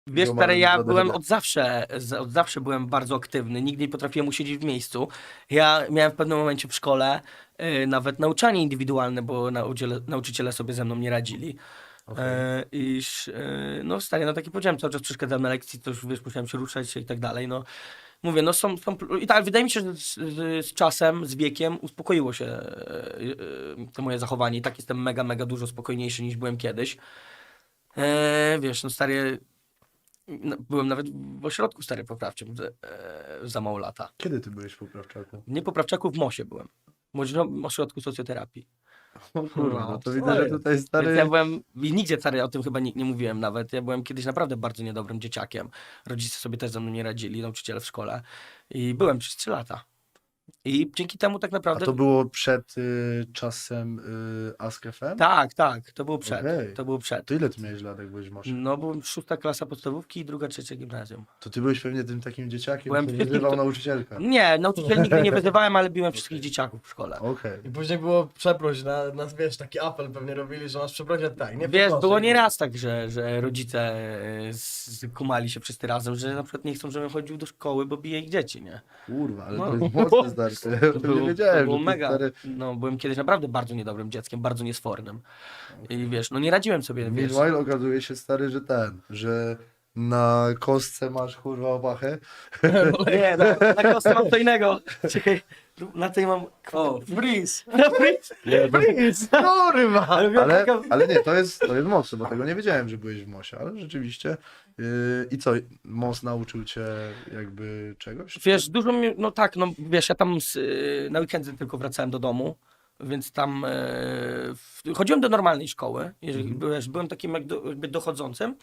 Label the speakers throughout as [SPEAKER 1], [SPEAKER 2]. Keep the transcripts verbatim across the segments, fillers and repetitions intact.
[SPEAKER 1] Wiesz,
[SPEAKER 2] Ziomalem
[SPEAKER 1] stary, ja
[SPEAKER 2] z
[SPEAKER 1] byłem
[SPEAKER 2] Adele.
[SPEAKER 1] od zawsze, z- od zawsze byłem bardzo aktywny, nigdy nie potrafiłem usiedzieć w miejscu. Ja miałem w pewnym momencie w szkole y, nawet nauczanie indywidualne, bo nauczyciele, nauczyciele sobie ze mną nie radzili.
[SPEAKER 2] Okej.
[SPEAKER 1] E, iż, e, no stary, no taki powiedziałem, cały czas przeszkadzałem na lekcji, coś, wiesz, musiałem się ruszać się i tak dalej, no. Mówię, no są, są i tak, wydaje mi się, że z, z, z czasem, z wiekiem uspokoiło się e, e, to moje zachowanie i tak jestem mega, mega dużo spokojniejszy niż byłem kiedyś. E, wiesz, no stary, no, byłem nawet w ośrodku stary poprawczym e, za mało lata.
[SPEAKER 2] Kiedy ty byłeś w poprawczaku?
[SPEAKER 1] Nie poprawczaku, w mosie byłem. W Młodzieżowym Ośrodku Socjoterapii.
[SPEAKER 2] O kurwa, no
[SPEAKER 1] No,
[SPEAKER 2] to widzę, że
[SPEAKER 3] jest.
[SPEAKER 2] tutaj
[SPEAKER 1] Więc
[SPEAKER 2] stary...
[SPEAKER 1] ja byłem, i nigdzie stary o tym chyba nie, nie mówiłem nawet, ja byłem kiedyś naprawdę bardzo niedobrym dzieciakiem. Rodzice sobie też ze mną nie radzili, nauczyciele w szkole. I byłem przez trzy lata. I dzięki temu tak
[SPEAKER 2] A
[SPEAKER 1] naprawdę...
[SPEAKER 2] to było przed y, czasem y, Ask F M?
[SPEAKER 1] Tak, tak, to było przed.
[SPEAKER 2] Okej.
[SPEAKER 1] To było przed.
[SPEAKER 2] To ile ty miałeś lat, jak byłeś w Mosie?
[SPEAKER 1] No, byłem szósta klasa podstawówki i druga, trzecia gimnazjum.
[SPEAKER 2] To ty byłeś pewnie tym takim dzieciakiem,
[SPEAKER 1] Byłem
[SPEAKER 2] który
[SPEAKER 1] wszystkim,
[SPEAKER 2] wyzywał
[SPEAKER 1] to-
[SPEAKER 2] nauczycielka.
[SPEAKER 1] Nie, nauczycieli nigdy nie wyzywałem, ale biłem wszystkich
[SPEAKER 2] Okej.
[SPEAKER 1] dzieciaków w szkole.
[SPEAKER 2] Okej.
[SPEAKER 3] I później było przeproś, na, nas wiesz, taki apel pewnie robili, że nas przeprosić, tak, nie
[SPEAKER 1] Wiesz,
[SPEAKER 3] przeproszę.
[SPEAKER 1] było nieraz tak, że, że rodzice e, skumali się wszyscy razem, że na przykład nie chcą, żebym chodził do szkoły, bo bije ich dzieci, nie?
[SPEAKER 2] Kurwa, ale
[SPEAKER 1] No.
[SPEAKER 2] to jest mocne stary. To ja o tym nie wiedziałem,
[SPEAKER 1] to było
[SPEAKER 2] że ty,
[SPEAKER 1] mega.
[SPEAKER 2] stary...
[SPEAKER 1] No, byłem kiedyś naprawdę bardzo niedobrym dzieckiem, bardzo niesfornym. I wiesz, no nie radziłem sobie, wiesz.
[SPEAKER 2] Meanwhile okazuje się stary, że ten, że na kostce masz kurwa opachę.
[SPEAKER 1] Nie, na, na kostce mam co innego. Czekaj, na tej mam... O, freeze. Na freeze. Freeze.
[SPEAKER 2] Kurwa!
[SPEAKER 1] Ale miałem
[SPEAKER 2] Ale,
[SPEAKER 1] taka-
[SPEAKER 2] ale nie, to jest, to jest mocne, bo tego nie wiedziałem, że byłeś w Mosie, ale rzeczywiście. Yy, I co, Mos nauczył cię jakby czegoś?
[SPEAKER 1] Wiesz, dużo mi, no tak, no wiesz, ja tam z, y, na weekendy tylko wracałem do domu, więc tam e, w, chodziłem do normalnej szkoły, jeżeli
[SPEAKER 2] Mhm.
[SPEAKER 1] wiesz, byłem takim jak do, jakby dochodzącym,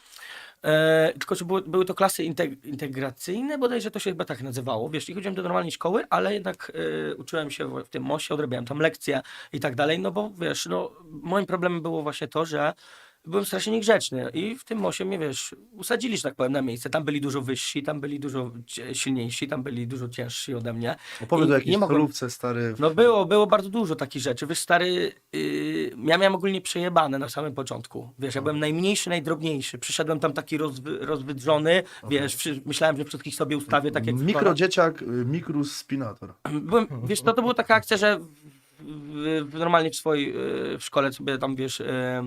[SPEAKER 1] e, tylko że były, były to klasy integ, integracyjne, bodajże to się chyba tak nazywało, wiesz, i chodziłem do normalnej szkoły, ale jednak e, uczyłem się w, w tym mosie, odrabiałem tam lekcje i tak dalej, no bo wiesz, no moim problemem było właśnie to, że byłem strasznie niegrzeczny i w tym mosie mnie, wiesz, usadzili, że tak powiem, na miejsce. Tam byli dużo wyżsi, tam byli dużo cie- silniejsi, tam byli dużo ciężsi ode mnie.
[SPEAKER 2] Opowiedz
[SPEAKER 1] I
[SPEAKER 2] o
[SPEAKER 1] nie
[SPEAKER 2] jakiejś
[SPEAKER 1] mogłem-
[SPEAKER 2] solówce stary. w-
[SPEAKER 1] No było, było bardzo dużo takich rzeczy. Wiesz, stary, yy, ja miałem ogólnie przejebane na samym początku. Wiesz, ja byłem najmniejszy, najdrobniejszy. Przyszedłem tam taki rozwy, rozwydrzony, wiesz, przy, myślałem, że wszystkich sobie ustawię tak jak w szkole.
[SPEAKER 2] Mikrodzieciak, y, Mikrus Spinator.
[SPEAKER 1] Byłem, wiesz, to, to była taka akcja, że w, w, w, normalnie w swojej yy, w szkole sobie tam, wiesz, yy,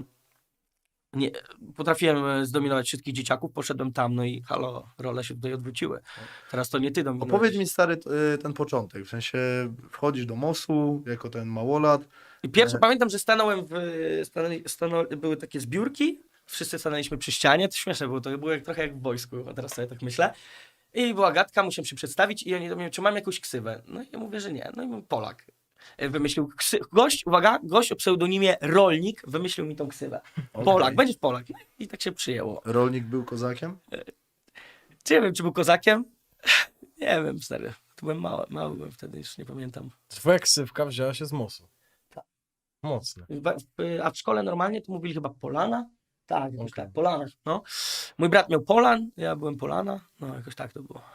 [SPEAKER 1] nie, potrafiłem e, zdominować wszystkich dzieciaków, poszedłem tam, no i halo, role się tutaj odwróciły. Teraz to nie ty dominujesz.
[SPEAKER 2] Opowiedz mi stary t- y, ten początek, w sensie wchodzisz do Mosu jako ten małolat.
[SPEAKER 1] I pierwsze
[SPEAKER 2] E.
[SPEAKER 1] pamiętam, że stanąłem w, stanęli, stanął, były takie zbiórki, wszyscy stanęliśmy przy ścianie, to śmieszne było, to było jak, trochę jak w wojsku, a teraz sobie tak myślę. I była gadka, musiałem się przedstawić i oni do mnie, czy mam jakąś ksywę? No i ja mówię, że nie, no i mówię, Polak. E, Wymyślił ksy... gość, uwaga, gość o pseudonimie Rolnik wymyślił mi tą ksywę.
[SPEAKER 2] Okej.
[SPEAKER 1] Polak, będziesz Polak. No i tak się przyjęło.
[SPEAKER 2] Rolnik był kozakiem?
[SPEAKER 1] Czy nie wiem, czy był kozakiem? Nie wiem, stary. To byłem mały, mały byłem wtedy, już nie pamiętam.
[SPEAKER 3] Twoja ksywka wzięła się z mosu.
[SPEAKER 1] Tak.
[SPEAKER 3] Mocne.
[SPEAKER 1] W- w- A w szkole normalnie to mówili chyba Polana? Tak, jakoś
[SPEAKER 3] Okej.
[SPEAKER 1] tak, Polana. No. Mój brat miał Polan, ja byłem Polana, no jakoś tak to było.